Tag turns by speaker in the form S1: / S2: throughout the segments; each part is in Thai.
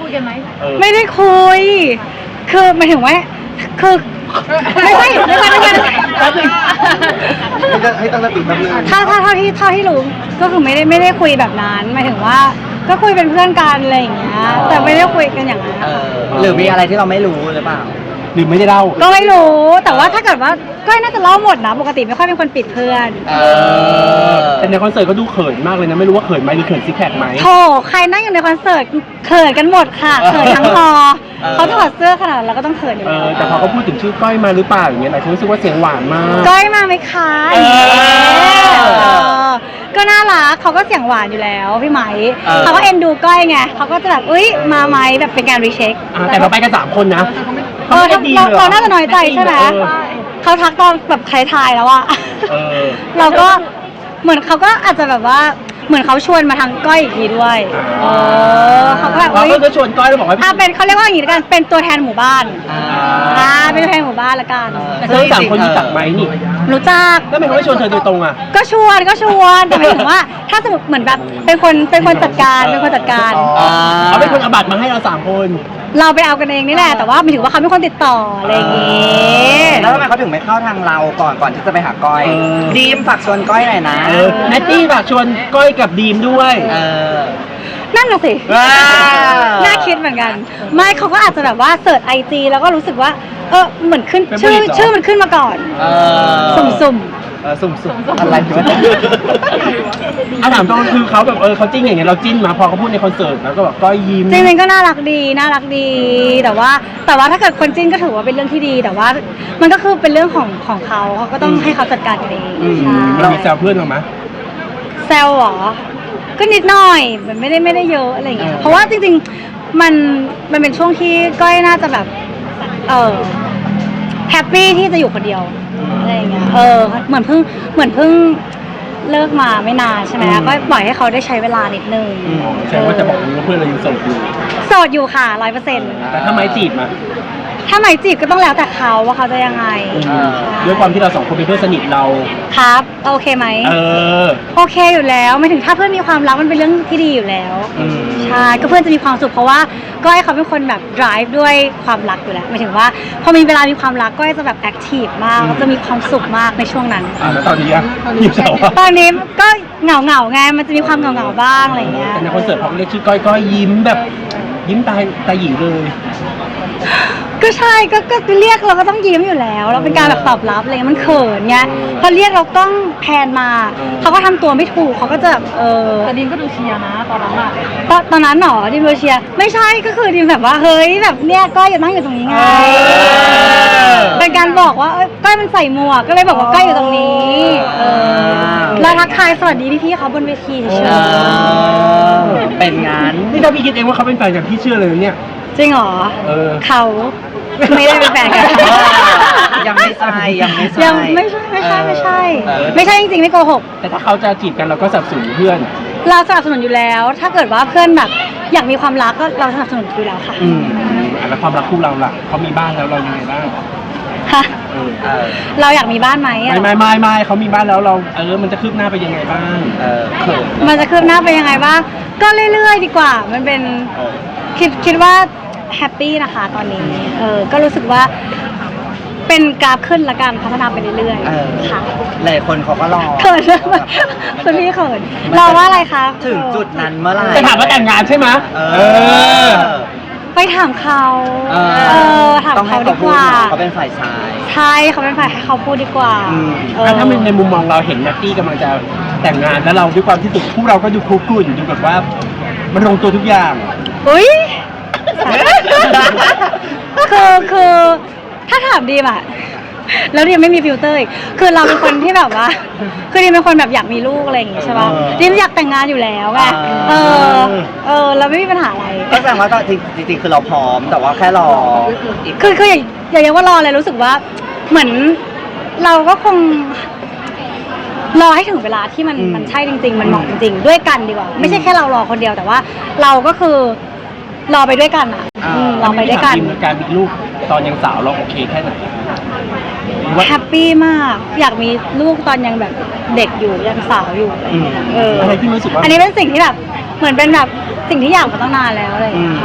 S1: คุยกันไหม
S2: ไม่ได้คุยคือหมายถึงว่าคือไม่ใช่
S3: ให้ตั้งสติแป๊บนึง
S2: ถ้าที่รู้ก็คือไม่ได้คุยแบบนั้นหมายถึงว่าก็คุยเป็นเพื่อนกันอะไรอย่างเงี้ยแต่ไม่ได้คุยกันอย่างนั้น
S4: หรือมีอะไรที่เราไม่รู้หรือเปล่า
S3: หรือไม่ได้เล่า
S2: ก็ไม่รู้แต่ว่าถ้าเกิดว่าก็น่าจะเล่าหมดนะปกติไม่ค่อยเป็นคนปิดเพื่อน
S3: แต่ในคอนเสิร์ตก็ดูเขินมากเลยนะไม่รู้ว่าเขินไหมหรือเขินซิกแพคไหม
S2: โธ่ใครนั่งอยู่ในคอนเสิร์ตเขินกันหมดค่ะเขินทั้งฮอเขาถอดเสื้อขนาดเราก็ต้องเขินอยู่แล้ว
S3: แต่พอเขาพูดถึงชื่อก้อยมาหรือเปล่าอย่างเงี้ยหลายคนรู้สึกว่าเสียงหวานมาก
S2: ก้อยมาไหมคะก็น่ารักเขาก็เสียงหวานอยู่แล้วพี่ไหมเขาก็เอ็นดูก้อยไงเขาก็จะแบบอุ้ยมาไหมแบบเป็นการรีเช็ค
S3: แต่เราไปกัน3 คนนะ
S2: เราน่าจะน้อยใจใช่ไหมเขาทักตอนแบบใครทายแล้วอะเราก็เหมือนเขาก็อาจจะแบบว่าเหมือนเขาชวนมาทางก้อยอีกทีด้วยเขาก็แบบ
S3: เราก็ชวนก้อยแล้วบอกว่า
S2: เป็นเขาเรียกว่าอย่างนี้ละกันเป็นตัวแทนหมู่บ้านเป็นตัวแทนหมู่บ้านละกัน
S3: แต่ทั้ง3 คนรู้จักไหมนี่
S2: รู้จัก
S3: แล้วทำไมเขาไม่ชวนเธอโดยตรงอ่ะ
S2: ก็ชวนแต่หมายถึงว่าถ้าสมมติเหมือนแบบเป็นคนจัดการเขา
S3: เป็นคนเอาบัตรมาให้เรา3 คน
S2: เราไปเอากันเองนี่แหละแต่ว่าหมายถึงว่าเขาเป็นคนติดต่ออะไรอย่างงี้
S4: แล้วทำไมเขาถึงไม่เข้าทางเราก่อนที่จะไปหาก้อยดีมฝากชวนก้อยหน่อยนะ
S3: แนตตี้ฝากชวนก้อยกับดีมด้วย
S2: นั่นน่ะสิน่าคิดเหมือนกันไม่เขาก็อาจจะแบบว่าเสิร์ชIGแล้วก็รู้สึกว่าเหมือนขึ้นชื่อมันขึ้นมาก่อนสุ่ม
S4: อะไรอยู่
S3: ถามตรงคือเขาแบบเขาจิ้นอย่างเงี้ยเราจิ้นมาพอเขาพูดในคอนเสิร์ตแล้วก็แบบก็ยิ้ม
S2: จริงๆก็น่ารักดีแต่ว่าถ้าเกิดคนจิ้นก็ถือว่าเป็นเรื่องที่ดีแต่ว่ามันก็คือเป็นเรื่องของเขาก็ต้องให้เขาจัดการกันเอง
S3: เรามีแซวเพื่อนหรอไหม
S2: แซวหรอก็นิดหน่อยมันไม่ได้เยอะอะไรอย่างเงี้ยเพราะว่าจริงๆมันเป็นช่วงที่ก้อยน่าจะแบบแฮปปี้ที่จะอยู่คนเดียวอะไรอย่างเงี้ยเหมือนเพิ่งเลิกมาไม่นานใช่ไหมก็ปล่อยให้เขาได้ใช้เวลานิดนึง
S3: แสดงว่าจะบอกว่าเพื่อนเรายังโสด
S2: อยู่ค่ะ100%
S3: แต่ถ้าไม้จีบมา
S2: ถ้าหมายจีบก็ต้องแล้วแต่เขาว่าเขาจะยังไง
S3: ด้วยความที่เรา2 คนเป็นเพื่อนสนิทเรา
S2: ครับโอเคไหมโอเคอยู่แล้วไม่ถึงถ้าเพื่อนมีความรักมันเป็นเรื่องที่ดีอยู่แล้วใช่ก็เพื่อนจะมีความสุขเพราะว่าก้อยเขาเป็นคนแบบ drive ด้วยความรักอยู่แล้วหมายถึงว่าพอมีเวลามีความรักก้อยจะแบบ active มากจะมีความสุขมากในช่วงนั้น
S3: แล้วตอนนี้ยิ้มเศร้า
S2: ตอนนี้ก็เหงาไงมันจะมีความเหงาบ้างอะไรอย่างเงี้ย
S3: แต่ในคอนเสิร์ตพอเรียกชื่อก้อยยิ้มแบบยิ้มตาหยีเลย
S2: ก็ใช่ก็เรียกเราก็ต้องยิ้มอยู่แล้วเราเป็นการแบบตอบรับอะไรมันเขินไงพอเรียกเราต้องแพนมาเขาก็ทำตัวไม่ถูกเขาก็จะแบบ
S1: แต่ดินก็ดูเชียร์นะตอนนั้นอะ
S2: ตอนนั้นหรอดินดูเชียร์ไม่ใช่ก็คือดินแบบว่าเฮ้ยแบบเนี้ยก้อยอยู่นั่งอยู่ตรงนี้ไงเป็นการบอกว่าก้อยมันใส่หมวกก็เลยบอกว่าก้อยอยู่ตรงนี้แล้วทักทายสวัสดีพี่ๆเขาบนเวทีเฉย
S4: เป็นงาน
S3: นี่ถ้าพี่คิดเองว่าเขาเป็นแฟนกับพี่เชื่อเลยเนี่ย
S2: จริงเหรอเขาไม่ได้เป็นแฟนกัน
S4: ยังไม่ใช่
S2: ไม่ใช่จริงๆไม่โกหก
S3: แต่ถ้าเขาจะจีบกันเราก็สนับสนุนเพื่อน
S2: เราสนับสนุนอยู่แล้วถ้าเกิดว่าเพื่อนแบบอยากมีความรักก็เราสนับสนุนอยู่แล้วค่ะ
S3: แล้วความรักคู่เราล่ะเขามีบ้านแล้วเรายังไงบ้าง
S2: ค่ะเราอยากมีบ้านไหม
S3: ไม่เขามีบ้านแล้วเรามันจะคืบหน้าไปยังไงบ้าง
S2: มันจะคืบหน้าไปยังไงบ้างก็เรื่อยๆดีกว่ามันเป็นคิดว่าแฮปปี้นะคะตอนนี้ก็รู้สึกว่าเป็นกราฟขึ้นละกันพัฒนาไปเรื่อยๆค่ะ
S4: หลายคนเขาก็รอ
S2: เขินคุณพี่เขินรอว่าอะไรคะ
S4: ถึงจุดนั้นเมื่อไหร่
S3: จะถามว่าแต่งงานใช่ไหม
S2: ไปถามเขาถามเขาดีกว่า
S4: เขาเป็นฝ่ายชาย
S2: ใช่เขาเป็นฝ่ายให้เขาพูดดีกว่า
S3: ถ้าในมุมมองเราเห็นนัตตี้กำลังจะแต่งงานแล้วเราด้วยความที่พวกเราก็ดูคุกรุ่นดูแบบว่ามันลงตัวทุกอย่าง
S2: อุ้ยคือถ้าถามดีมอะแล้วดิมไม่มีฟิลเตอร์อีกคือเราเป็นคนที่แบบว่าคือดิมเป็นคนแบบอยากมีลูกอะไรอย่างงี้ใช่ป่ะดิมอยากแต่งงานอยู่แล้วไงเราไม่มีปัญหาอะไร
S4: ก็แสดงว่าจริงๆคือเราพร้อมแต่ว่าแค่รอ
S2: คืออย่าเรียกว่ารอเลยรู้สึกว่าเหมือนเราก็คงรอให้ถึงเวลาที่มันใช่จริงๆมันเหมาะจริงๆด้วยกันดีกว่าไม่ใช่แค่เรารอคนเดียวแต่ว่าเราก็คือรอไปด้วยกันเราไปด้วยกัน
S3: การมีลูกตอนยังสาวเราโอเคแค่ไหน
S2: แฮปปี้มากอยากมีลูกตอนยังแบบเด็กอยู่ยังสาวอยู่
S3: อะไรที่รู้สึกว่า
S2: อันนี้เป็นสิ่งที่แบบเหมือนเป็นแบบสิ่งที่อยากมาตั้งนานแล้วอะไรอย่างเงี้ยค่ะแต่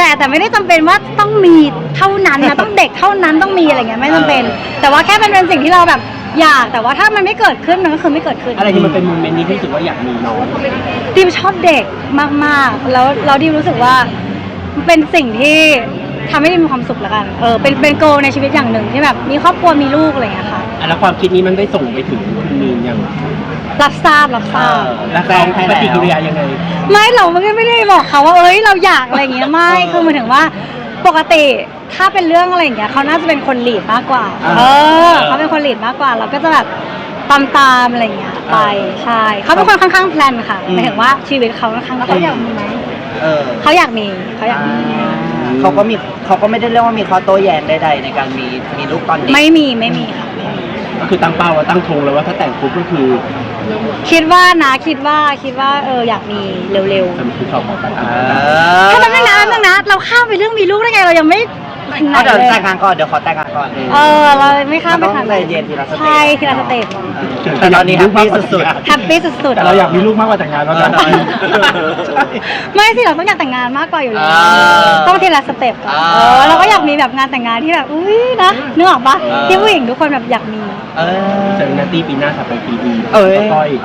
S2: แต่ไม่ได้จำเป็นว่าต้องมีเท่านั้นนะ ต้องเด็กเท่านั้นต้องมีอะไรเงี้ยไม่จำเป็น แต่ว่าแค่เป็นสิ่งที่เราแบบอยากแต่ว่าถ้ามันไม่เกิดขึ้นมันก็คือไม่เกิดขึ้น
S3: อะไรที่มันเป็นโมเมนต์นี้ที่รู้สึกว่าอยากมีน้อง
S2: ดิมชอบเด็กมากๆแล้วเราดิมรู้สึกว่ามันเป็นสิ่งที่ทำให้ดิมมีความสุขแล้วกันเป็นโกลในชีวิตอย่างหนึ่งที่แบบมีครอบครัวมีลูกอะไรเงี้ยค่ะ
S3: แล้วความคิดนี้มันได้ส่งไปถึงคุณมีนยัง
S2: รับทราบ
S3: แล้วเขาปฏิกิริยายังไง
S2: ไม่เราไม่ได้บอกเขาว่าเราอยากอะไรอย่างเงี้ยไม่คือหมายถึงว่าปกติถ้าเป็นเรื่องอะไรอย่างเงี้ยเขาน่าจะเป็นคนลีดมากกว่าเขาเป็นคนลีดมากกว่าเราก็จะแบบตามอะไรอย่างเงี้ยไปใช่เขาเป็นคนค่อนข้างแพลนค่ะหมายถึงว่าชีวิตเขาค่อนข้างเขาอยากมีไหมเขาอยากมี
S4: เขาก็ไม่ได้เรียกว่ามีข้อโต้แย้งใดๆในการมีลูกตอนเด็ก
S2: ไม่มีค่ะ
S3: ก็คือตั้งเป้าว่าตั้งธงเลยว่าถ้าแต่งปุ๊บก็คือ
S2: คิดว่าอยากมีเร็ว
S3: ทำคือเขาขอไป
S2: ๆถ้ามันไม่นานนะเราข้ามไปเรื่องมีลูกได้ไงเรายังไม่ถึงไหน
S4: เดี๋ยว
S2: เลย
S4: แต่งงานก่อนเดี๋ยวขอแต่งงานก่อน
S2: เราไม่ข้ามไป
S4: มันต้
S2: ทา
S4: อง งใจเย็นทีละสเต็ป
S2: ใช่ทีละสเต็ป
S4: แต่ตอนนี้แฮปปี้สุด
S2: แฮปปี้สุด
S3: แต่เราอยากมีลูกมากกว่าแต่งงานแล้วกัน
S2: ๆไม่สิเราต้องอยากแต่งงานมากกว่าอยู่แล้ว
S4: อ่า
S2: ต้องทีละสเต็ปก่อนเราก็อยากมีแบบงานแต่งงานที่แบบอุ้ยนะนึกออกปะที่ผู้หญิงทุกคนแบบอยากมี
S3: เจอนัตตี้ปีหน้าถัดไปปีดี ก้อย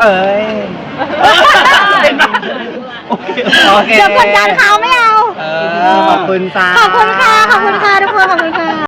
S3: โอเค
S2: เดี๋ยวกดดันเขาไม่เอา
S4: ขอบคุณจ้า
S2: ขอบคุณค่ะทุกคนขอบคุณค่ะ